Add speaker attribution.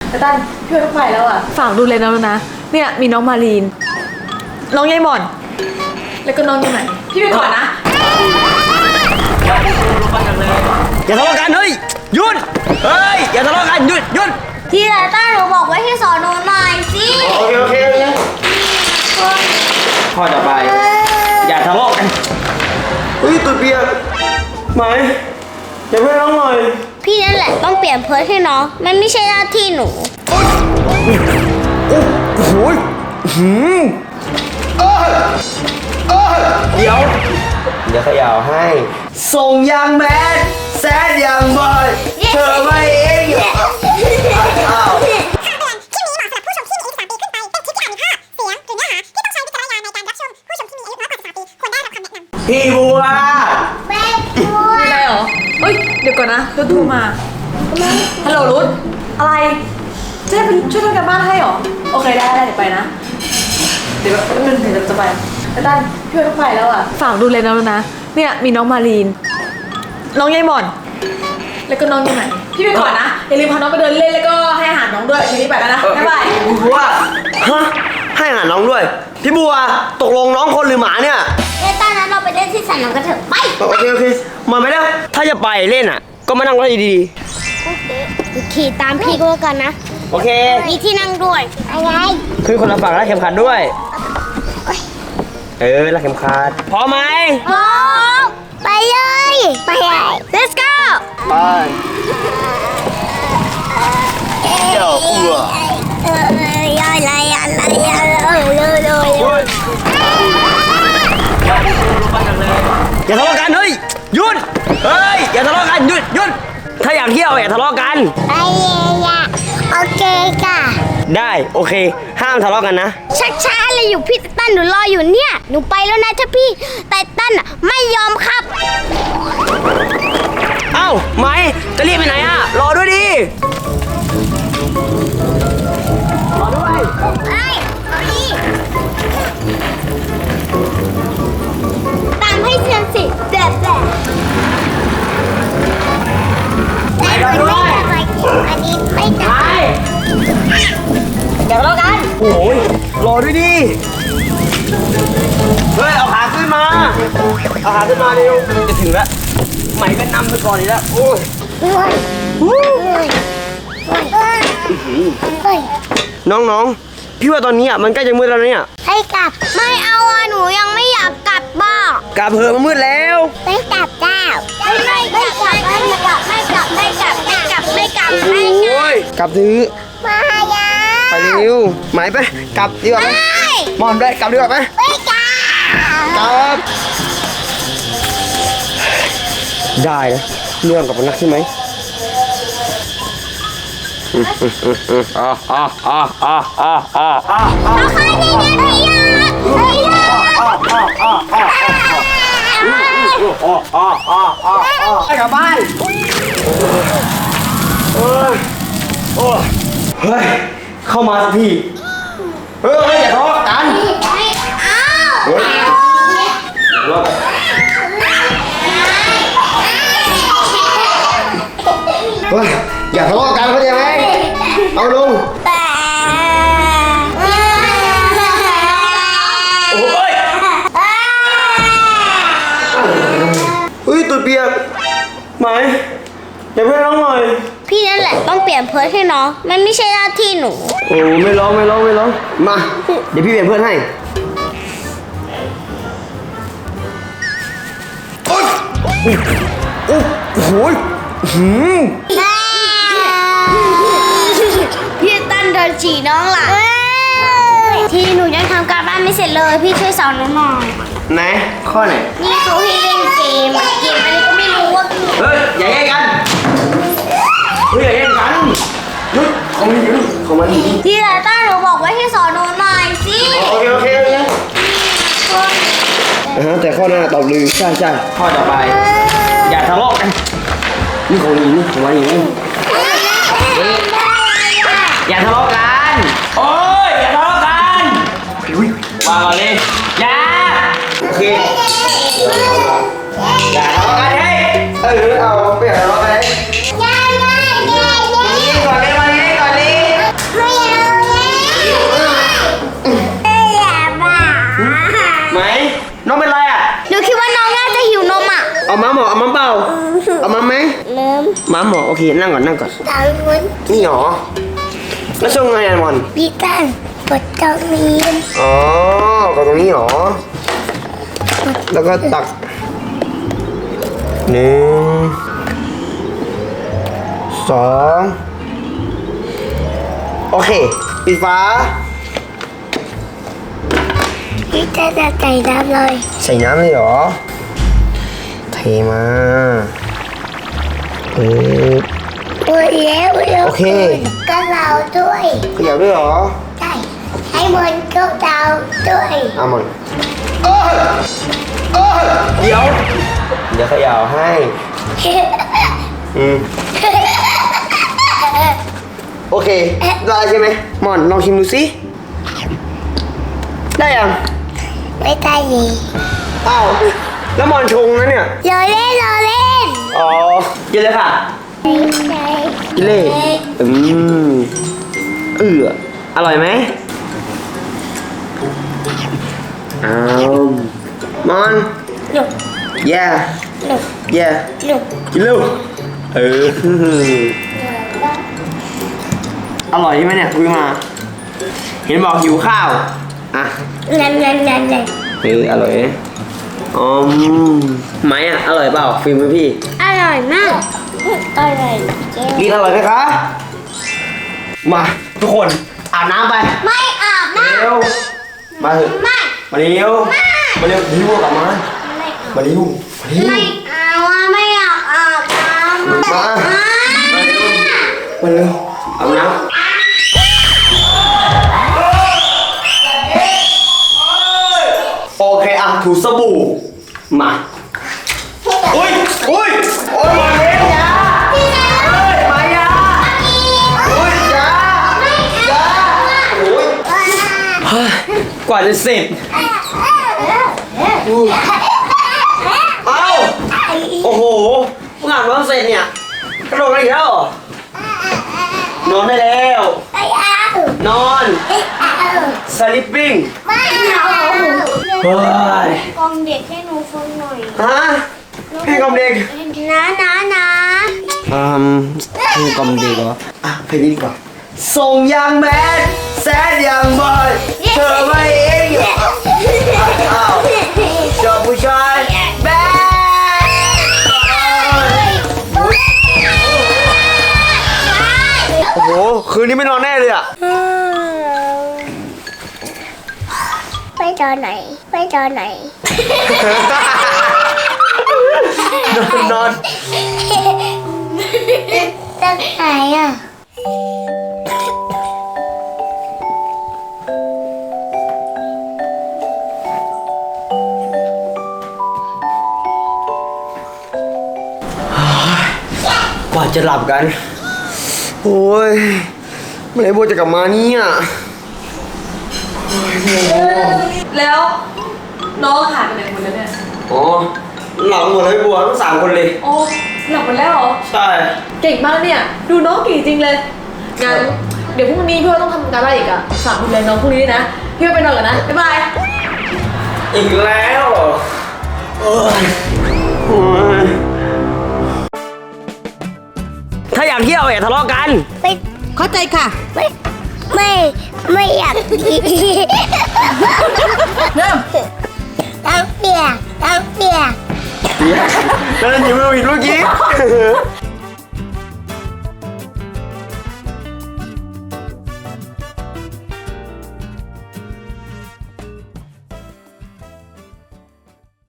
Speaker 1: แต่ตั้นพี่ไม่ไปแล้วอ่ะฝากดูเลยนะเนี่ยมีน้องมารีนน้องยายหม่อนแล้วก็น้องยังไงพี่ไปก่อนนะ
Speaker 2: อย่าทะเลาะกันเฮ้ยหยุดเฮ้ยอย่าทะเลาะกันหยุด
Speaker 3: ที่ไหนต้าหนูบอกไว้ให้สอนหนูหน่อยสิ
Speaker 2: โอเคข้อต่อไปอย่าทะเลาะกันเฮ้ยตัวเปียกไหมอย่าเพิ่งร้องหน่อย
Speaker 3: พี่นั่นแหละต้องเปลี่ยนเพิร์ทให้น้องมันไม่ใช่หน้าที่หนู
Speaker 2: โอ้โหเดี๋ยวขย่าวให้ส่งยางแมสแซดยางบอยเธอไม่เองอ้าวพี่บัว
Speaker 3: แม่บัว
Speaker 1: มีอะไรเหรอเฮ้ยเดี๋ยวก่อนนะรุดโทรมาฮัลโหลรุดอะไรจะได้ไปช่วยทำการบ้านให้เหรอโอเคได้เดี๋ยวไปนะเดี๋ยวนึงถึงจะไปแต่ตั้นพี่ไม่ไปแล้วอ่ะฝากดูเลยนะเนี่ยมีน้องมารีนน้องยายหม่อนแล้วก็น้องยังไงพี่ไปก่อนนะอย่าลืมพาน้องไปเดินเล่นแล้วก็ให้อาหารน้องด้วยทีนี้ไปแล้วนะบ๊ายบาย
Speaker 2: พี่บัวฮะให้อาหารน้องด้วยพี่บัวตกลงน้องคนหรือหมาเนี่ย
Speaker 3: ตอนนั้นเราไปเล่นที่สนามกันเถอะไป
Speaker 2: โอเคมาไม่ได้ถ้าจะไปเล่นอ่ะก็มานั่งรถดี
Speaker 3: ขี่ตามพี่ก็แล้วกันนะ
Speaker 2: โอเค
Speaker 3: มีที่นั่งด้วยอะไร
Speaker 2: ขึ้นคนละฝั่งแล้วเข็มขัดด้วยแล้วเข็มขัดพร้อมไหม
Speaker 3: พร้อมไปเลยlet's go
Speaker 2: ไปเดี๋ยว
Speaker 3: อะไร
Speaker 2: อย่าทะเลาะกันเฮ้ยหยุดอย่าทะเลาะกันหยุดถ้าอยากเที่ยวอย่าทะเลาะกัน
Speaker 3: ไปเลยโอเคค่ะ
Speaker 2: ได้โอเคห้ามทะเลาะกันนะ
Speaker 3: ช้าเลยอยู่พี่ไตตันหนูรออยู่เนี่ยหนูไปแล้วนะถ้าพี่ไตตันไม่ยอมครับ
Speaker 2: เอ้าไหมจะรีบไปไหนอ่ะรอด้วยดิรอด้วย
Speaker 3: ตามให้เชียนสิแบบอันนี้ไม่ได้
Speaker 2: เดี๋ยวเรากันโอ้ยรอด้วยดิเฮ้ยเอาขาขึ้นมาเร็วจะถึงแล้วไหมก็นำไปก่อนอีกแล้วโอ้ยน้องพี่ว่าตอนนี้มันใกล้จะมืดแล้วเนี่ย
Speaker 3: ให้กลับไม่เอาหนูยังไม่อยากกลับบ้าน
Speaker 2: กลับเถอะมันมืดแล้ว
Speaker 3: ไม่กลับเจ้าไม่กลับโอ้
Speaker 2: ยกลับถือ
Speaker 3: มาอย่า
Speaker 2: ไปเร็วไหมไปกลับดีกว่าไหมมอนได้กลับดีกว่าไหม
Speaker 3: ไม่กลั
Speaker 2: บได้นะเรื่องกับนักใช่ไหม
Speaker 3: เขาใครนี่ไง
Speaker 2: พี่กลับบ้านเฮ้ยเข้ามาสักทีอย่าทะเลาะกันอย่าทะเลาะกันเข้าใจไหมเอาลงตัวเปียกไหมอย่าเพิ่งร้องหน่อย
Speaker 3: พี่นั่นแหละต้องเปลี่ยนเพิร์ทให้น้องมันไม่ใช่หน้าที่หนู
Speaker 2: โอ้ไม่ร้องมาเดี๋ยวพี่เปลี่ยนเพื่อนให้โอ้โห
Speaker 3: พี่ตั้นเดินฉี่น้องล่ะที่หนูยังทำการบ้านไม่เสร็จเลยพี่ช่วยสอนหนูหน่อย
Speaker 2: ไหนข้อไหน
Speaker 3: นี่เขาให้เล่นเกมอันนี้ก็ไม่รู้ว่า
Speaker 2: อย่าแย่งกันอย่าแย่งกันหยุดของมัน
Speaker 3: ที่ไหนต้าหนูบอกไว้ให้สอนหนูหน่อยสิ
Speaker 2: โอเคแต่ข้อหน้าตอบลือใช่ข้อต่อไปอย่าทะเลาะกันนี่ของมันอย่าทะเลาะกันอย่าทะเลาะกันวางก่อนเลยอย่าโอเคอย่าทะเลาะกันเอาไม่อย่าทะเลาะกันนี่ก่อนเลยเคนั่งก่อนนั่งก่อน
Speaker 3: ตามนู้น
Speaker 2: นี่หรอแล้วชงไงอะมอน
Speaker 3: พี่ตันปวดตรงนี้
Speaker 2: อ๋อก็ตรงนี้หรอแล้วก็ตัก1 2 โอเคปิดฝา
Speaker 3: พี่ตันจะใส่น้ำเลย
Speaker 2: ใส่น้ำเลยเหรอเทมาปึ๊บ
Speaker 3: ปวดแล้ว
Speaker 2: โอเค
Speaker 3: ก็เราด้วย
Speaker 2: เขยับด้วยเหรอ
Speaker 3: ใช่ให้มันก็เราด้วย
Speaker 2: อ่ะมันเดี๋ยวเขย่าให้โอเคได้ใช่ไหมหมอนลองชิมดูสิได้ยัง
Speaker 3: ไม่ได้เลย
Speaker 2: อ้าวแล้วหมอนชงนะเนี่ย
Speaker 3: รอเล่นรอเล่น
Speaker 2: อ๋อกินเลยค่ะ
Speaker 3: ใช่
Speaker 2: กินเลยอร่อยไหมอ้าวมอน
Speaker 3: หนุก
Speaker 2: yeah
Speaker 3: หนุก
Speaker 2: yeah
Speaker 3: หนุก
Speaker 2: กินเร็วอร่อยใช่ไหมเนี่ยคุยมา เห็นบอกหิวข้าวอ่ะ
Speaker 3: งัน
Speaker 2: อร่อยไหมอ่ะอร่อยเปล่าฟิล์มไหมพี่
Speaker 3: อร่อยมากอร่อยจริง
Speaker 2: กินอร่อยไหมคะมาทุกคนอาบน้ำไป
Speaker 3: ไม่อาบน้
Speaker 2: เร็วมาเถอะ
Speaker 3: ำไม่
Speaker 2: มาเร็วมาเร็วหิวกลับมา
Speaker 3: ไม่
Speaker 2: มาเร็วมาเร็ว
Speaker 3: ไม่เอาไม่อยากอาบน้ำ
Speaker 2: มาเร็วอาบน้ำโอเคอ่ะถูสบู่มาอุ้ยโอ้ยมาเร็วมายาอุ้ยยาโอ้ยกว่าจะเสร็จเอ้าโอ้โหเพิ่งอาบน้ำเสร็จเนี่ยกระโดดกันอีกแล้วเหรอนอนได้แล้ว
Speaker 3: ไม่เอา
Speaker 2: นอน
Speaker 3: ไม่เอา
Speaker 2: sleeping
Speaker 3: ไม่เอา
Speaker 2: เฮ้ย
Speaker 3: กองเด็กให้หนูฟังหน่อย
Speaker 2: ฮะเพลงกล่อมเด็ก
Speaker 3: นะ
Speaker 2: เพลงกล่อมเด็กเหรออ่ะเพลงนี้ดีกว่าส่งยังแมนแซดยังบอยเธอไม่เองเหรออ้าวชอบผู้ชายแบดโอ้โหคืนนี้ไม่นอนแน่เลยอ่ะ
Speaker 3: ไปตอนไหนไปตอนไหน
Speaker 2: นอน
Speaker 3: ตั้งไหนอ่ะ
Speaker 2: กว่าจะหลับกัน โอ้ยเมื่อไหร่โบจะกลับมาเนี่ย
Speaker 1: แล้วน้องหายไปไหนหมดแล้วเนี่ย
Speaker 2: อ๋อหลับหมดเลยบัวทั้ง3 คนเลย
Speaker 1: โอ้หลับหมดแล้วเหรอ
Speaker 2: ใช่
Speaker 1: เก่งมากเนี่ย ดูน้องเก่งจริงเลย งั้นเดี๋ยวพรุ่งนี้พี่ว่าต้องทำการบ้านอีกอะฝากดูแลน้องพรุ่งนี้ด้วยนะ พี่ว่าไปนอนก่อนนะ บ๊ายบาย
Speaker 2: อีกแล้วเหรอโอ้ยถ้าอยากเที่ยวอย่าทะเลาะกัน
Speaker 3: ไป
Speaker 1: เข้าใจค่ะ
Speaker 3: ไม่อยากกิน
Speaker 1: เริ่ม
Speaker 3: ตั้งเปียก
Speaker 2: แล้วนั่นอยู่ไม่ผิดเมื่อกี้